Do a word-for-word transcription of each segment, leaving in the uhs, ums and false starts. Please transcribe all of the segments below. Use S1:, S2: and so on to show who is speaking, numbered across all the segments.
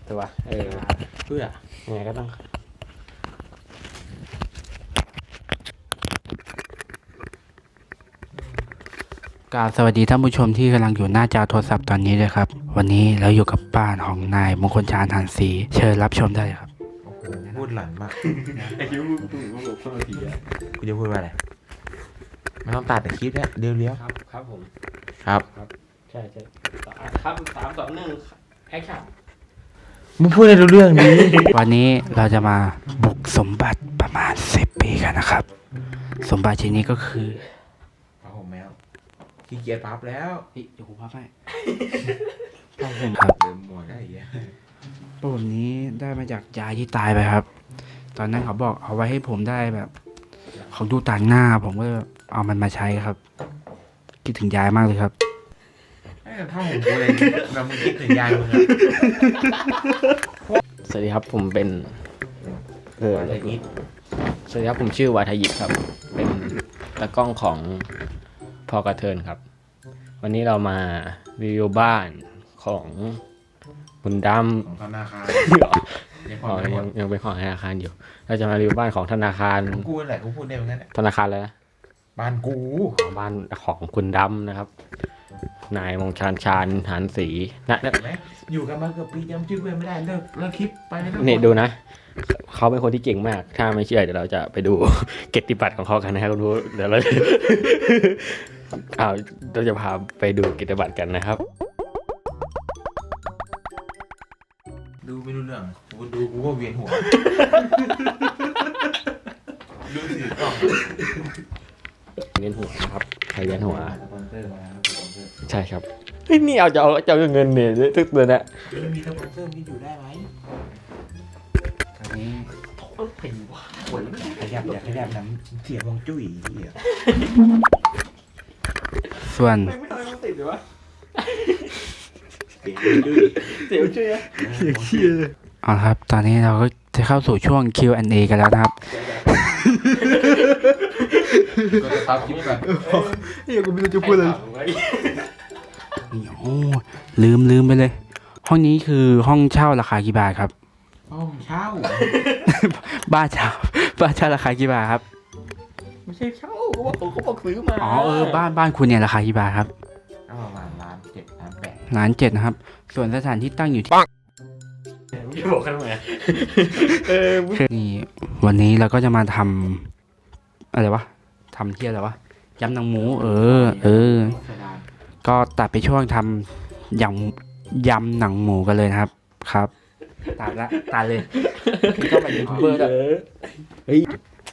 S1: ตัวเออ
S2: เพื่อ
S1: ยังไงก็ต้องกราบสวัสดีท่านผู้ชมที่กำลังอยู่หน้าจอโทรศัพท์ตอนนี้เลยครับวันนี้เราอยู่กับบ้านของนายมงคลชาญหันศรีเชิญรับชมได้เลยครับ
S2: โอ้โหพูดหลั่นมาก
S1: ไอ้คิวพูดพูดพูดผีอ่ะ
S2: กูจะพูดว่าอะไรไม่ต้องตัดแต่คลิปเนี่ยเลี้ยว
S1: ๆครับครับผม
S2: ครับ
S1: ครับใช่ใช่ครับสามสองหนึ่งแอคชั่น
S2: มึงพูดให้รู้เรื่องนี้
S1: วันนี้เราจะมาบุกสมบัติประมาณสิบปีกันนะครับสมบัติชิ้นนี้ก็คือ
S2: ผ้าห่มแมวขี้เกียจพับแล้ว
S1: เฮ้ยเดี๋ยวผมพับให้ผ้าห่มครับ
S2: เดิมหมดได้ยัง
S1: ผ้าห่มนี้ได้มาจากยายที่ตายไปครับตอนนั้นเขาบอกเอาไว้ให้ผมได้แบบเขาดูต่างหน้าผมก็เอามันมาใช้ครับคิดถึงยายมากเลยครับ
S2: ไอ้ผ้าห่มกูเลยเรามึงคิดถึงยายมึงอะ
S1: สวัสดีครับผมเป็นเออ
S2: อะไรนี้
S1: สวัสดีครับผมชื่อวาทยิปครับเป็นตากล้องของพอกระเทินครับวันนี้เรามารีวิวบ้านของคุณดำ
S2: ของธนาคาร
S1: อ๋อยังยังเป็นของธนาคารอยู่เราจะมารีวิวบ้านของธนาคาร
S2: กูแหละกูพูดได้เหมือนกัน
S1: ธนาคารอะไรนะ
S2: บ้านกู
S1: บ้านของคุณดำนะครับนายมงชาญชาญหันศรีนะ
S2: อยู่กันมาเกือบปีจำชื่อเพื่อนไม่ได้เลิกเลิกคลิปไปเลย
S1: นี่ดูนะเขาเป็นคนที่เก่งมากถ้าไม่เชื่อเดี๋ยวเราจะไปดูเกียรติบัตรของเขากันนะครับคุณผู้เดี๋ยวเราอ้าวเราจะพาไปดูเกียรติบัตรกันนะครับ
S2: ดูไม่รู้เรื่องกูดูกูก็เวียนหัวดูสิกล้อง
S1: เวียนหัวนะครับใครเวียนหัวใช่ครับเฮ้ยนี่เอาจะเอาจะเอาเงินเนี่ยทุกเดือนนะ
S2: ไม่มีสปอนเซอร์นี่อยู่ได้ไหมตอนนี้
S1: โอ้ยว้าว
S2: ขยับอยากขยับน้ำเสียบองจุ้ยเหี้ย
S1: ส่วน
S2: ไม่ทำให้มันติดเลยวะเสียบจุ้ย
S1: เสียบจุ้ยอะเสียบเชี่ยเลยเอาละครับตอนนี้เราก็จะเข้าสู่ช่วง คิว แอนด์ เอ กันแล้วนะครับ
S2: ก็จะตัดคลิปกัน
S1: เฮ้ยกูไม่รู้จะพูดอะไรโอ้ลืมลืมไปเลยห้องนี้คือห้องเช่าราคากี่บาทครับ
S2: ห้องเช่า
S1: บ้านเช่าบ้านเช่าราคากี่บาทครับ
S2: ไม่ใช่เช่าเขาบอกเขาบอกซื้อมา
S1: อ๋อเออบ้านบ้านคุณเนี่ยราคากี่บาทครับ
S2: ประมาณล้านเจ็ดล้านแปด
S1: ล้านเจ็ดนะครับส่วนสถานที่ตั้งอยู่ที่
S2: ไม่บอกกันไหม
S1: นี่วันนี้เราก็จะมาทำอะไรวะทำเที่ยอะไรวะยำหนังหมูเออเออก็ตัดไปช่วงทำยำยำหนังหมูกันเลยนะครับครับตัดละตัดเลยก็เป็นยูทูบเบอร์ด้วยเฮ้ย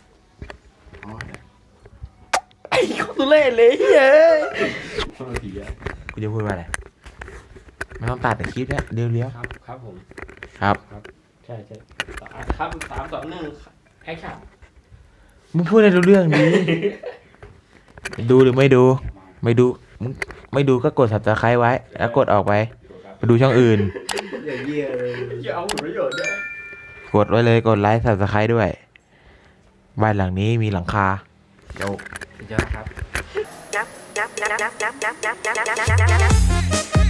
S1: ไอ้คนตุเล่เลยเฮ้ย
S2: กูจะพูดว่าอะไรไม่ต้องตัดแต่คลิปเนี่ยเลี้ยว
S1: ๆครับครับผม
S2: ครับ
S1: ครับใช่ใช่ครับสามสองหนึ่งแอคชั่น
S2: มึงพูดให้รู้เรื่องนี้ดูหรือไม่ดูไม่ดูมึงไม่ดูก็กด ซับสไครบ์ ไว้แล้วกดออกไปไปดูช่องอื่น
S1: อย่าเยี่ยเลยอย่าเอาผลประโยชน์ด้วย
S2: กดไว้เลยกดไลค์ ซับสไครบ์ ด้วยบ้านหลังนี้มีหลังคา
S1: เดี๋ยวเดี๋ยวครับ